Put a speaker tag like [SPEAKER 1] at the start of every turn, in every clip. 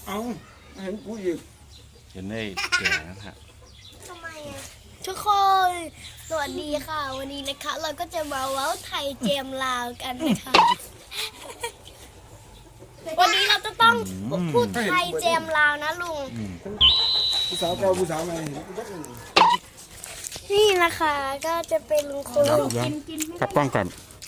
[SPEAKER 1] เอาเห็นกูอีก
[SPEAKER 2] เห็นได้แก่นะฮะ
[SPEAKER 3] ทำไมอ่ะทุกคนสวัสดีค่ะ วันนี้นะคะ เราก็จะมาเว้าไทยเจมลาวกันนะคะวันนี้เราจะต้องพูดไทยเจมลาวนะลุง
[SPEAKER 1] ผู้สาวเก่าผู้สาวใหม่เห็นกูบักเลย
[SPEAKER 3] นี่นะคะก็จะเป็นลุงคน
[SPEAKER 2] กลับกล้องก่อน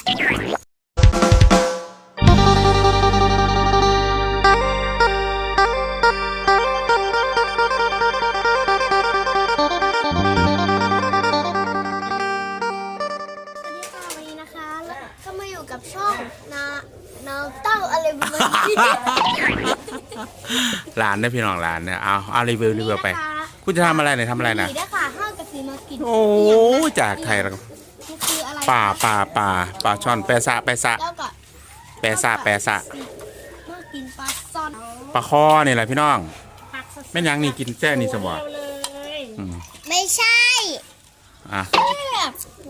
[SPEAKER 3] วันนี้นะคะแล้วก็มาอยู่กับช่องนาเต้าอะไรประมาณนี้
[SPEAKER 2] ร้านได้พี่น้องร้านเนี่ยเอารีวิวไปคุณจะทำอะไรเนี่ยทำอะไรนะ
[SPEAKER 3] นี่ได้ค่ะห้างกะสีมากิน
[SPEAKER 2] โอ้จากไทยแล้ว
[SPEAKER 3] มันคืออะไร
[SPEAKER 2] ปลาช่อนแปะซะ
[SPEAKER 3] แล้วก็
[SPEAKER 2] แปะซะ
[SPEAKER 3] มากินปลาซ่อน
[SPEAKER 2] ปลาคอนี่แหละพี่น้องแม่นยังนี่กินแจ้นี่สบอ
[SPEAKER 3] ไม่ใช่
[SPEAKER 2] อ่ะ
[SPEAKER 3] แบบ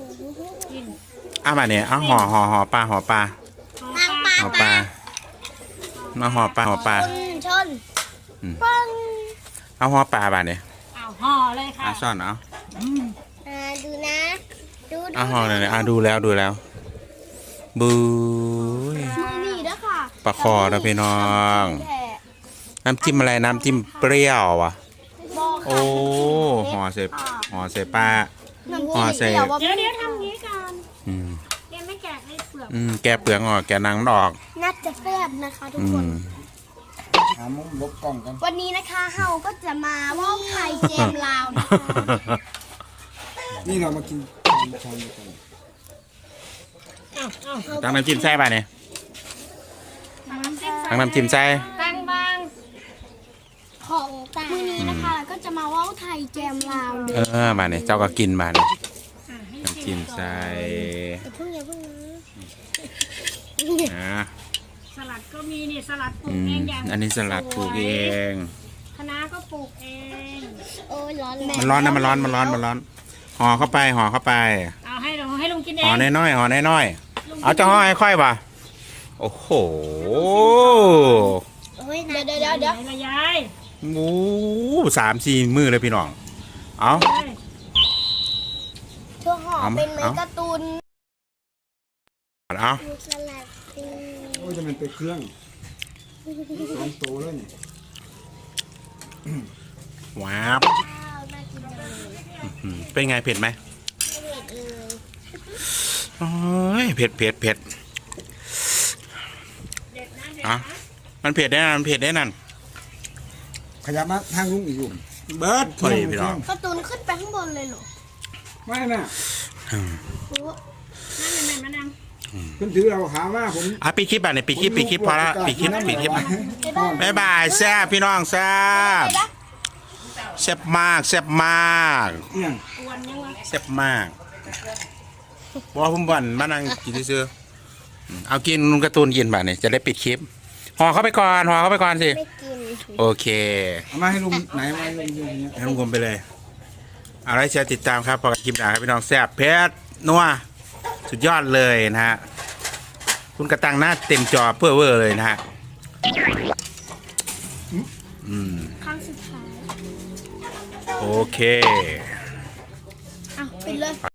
[SPEAKER 2] มาเนี่ยเอาห่อปลา
[SPEAKER 3] ทางปลา
[SPEAKER 2] ห่อปลามาห่อปลา
[SPEAKER 3] ชน
[SPEAKER 2] อืม
[SPEAKER 3] ปัง
[SPEAKER 2] เอาห่อปลาบ้านเนี่ย
[SPEAKER 4] เอาห่อเลยค่ะ
[SPEAKER 2] ซ่อนเอา
[SPEAKER 3] ดูนะดู
[SPEAKER 2] เอาห่อเลยดูแล้วบูย
[SPEAKER 3] มือนี่ด้วยค่ะ
[SPEAKER 2] ปลาคอนะพี่น้อง น้ำจิ้มอะไรน้ำจิ้มเปรี้ยวอ่ะ
[SPEAKER 3] บอก
[SPEAKER 2] โอ้ห่อใส่ปลา ห่อใส่
[SPEAKER 4] เดี๋ยวทำนี้ก่อน
[SPEAKER 2] อืม
[SPEAKER 4] เดี๋ยวไม่แกะให้เปลือก
[SPEAKER 2] แกะเปลือกออกแกะหนังมันออก
[SPEAKER 3] น่าจะแซ่บนะคะทุก
[SPEAKER 2] อื
[SPEAKER 3] คน
[SPEAKER 2] ม
[SPEAKER 1] หามุมลบกล้องกัน
[SPEAKER 3] วันนี้นะคะเฮาก็จะมาว่าวไทยเจมลาวนะคะ
[SPEAKER 1] นี่เรามากินชามกัน
[SPEAKER 2] ตั้งน้ำจิ้มใส่ป่ะเนี่ยตั้งน้ำจิ้มใส่
[SPEAKER 4] ตั้งบาง
[SPEAKER 3] ของต่างมื้อนี้นะคะเราก็จะมาว่าวไทยเจมลาวเลย
[SPEAKER 2] มาเนี่ยเจ้าก็กินมาเนี่ย
[SPEAKER 4] ให้
[SPEAKER 2] น้ำจิ้มใส่
[SPEAKER 3] อย่าเพิ่งนะ
[SPEAKER 4] สลัดก็มีนี่สลัดปลู
[SPEAKER 2] อื
[SPEAKER 4] กเอ
[SPEAKER 2] ม
[SPEAKER 4] งอย่าง
[SPEAKER 2] อันนี้สลัดปลูกเอง
[SPEAKER 4] คะน้าก็ปลูกเอง
[SPEAKER 3] โอ้ยร้อน
[SPEAKER 2] มันร้อนนะมันร้อนห่อเข้าไป
[SPEAKER 4] เอาให้ลุงกินเอ
[SPEAKER 2] ห่อง น้อยเอาจะห่อให้ค่อยป่ะโอ้โห
[SPEAKER 3] โอ้ยเดี๋ยว
[SPEAKER 4] ไหนละยาย
[SPEAKER 2] หมู3-4 มือเลยพี่น้องเอา
[SPEAKER 3] ชั่วห่อเป็นเหมือนการ์ตูน
[SPEAKER 2] เอา
[SPEAKER 3] สลัดตี
[SPEAKER 1] โอ้ยจะมันไปเครื่องสองโตเลยนี่
[SPEAKER 2] ว้าว
[SPEAKER 3] ข้าวน่ากินจังเลย
[SPEAKER 2] เป็นไงเผ็ดไหม
[SPEAKER 3] เผ็ดเลย
[SPEAKER 2] โอ้ยเผ็ดอ่ะมันเผ็ดได้นั่น
[SPEAKER 1] ขยับมาทางลุงอีกอยู่
[SPEAKER 2] เบิร์ดพอดีพี่น้อง
[SPEAKER 3] การ์ตูนขึ้นไปข้างบนเลยเหรอ
[SPEAKER 1] ไม่น่ะ
[SPEAKER 3] โอ้
[SPEAKER 4] นั่นมะนาว
[SPEAKER 1] ขึ้นถือเราขามาผม
[SPEAKER 2] ปิดคลิปปิดคลิปพอละปิดคลิปบ๊ายบายแซ่บพี่น้องแซ่บมาก
[SPEAKER 1] เนี่ย
[SPEAKER 4] กวนยังวะ
[SPEAKER 2] แซ่บมากบอกผมบ่นมานั่งกินซื้อเอากินลุงการ์ตูนกินบ่เนี่ยจะได้ปิดคลิปห่อเข้าไปก่อนสิ
[SPEAKER 3] ไม่กิน
[SPEAKER 2] โอเค
[SPEAKER 1] เอามาให้ลุงไหนมาให้ลุงดูอย่างเงี้ย
[SPEAKER 2] ให้ลุงกลมไปเลยเอาไว้แชร์ติดตามครับพอกับคลิปหน้าครับพี่น้องแซ่บเพชรนัวสุดยอดเลยนะฮะคุณกระตังหน้าเต็มจอเพื่อเวอร์เลยนะฮะ
[SPEAKER 3] ครั้งสุดท้าย
[SPEAKER 2] โอเค
[SPEAKER 3] เอาปิดเลย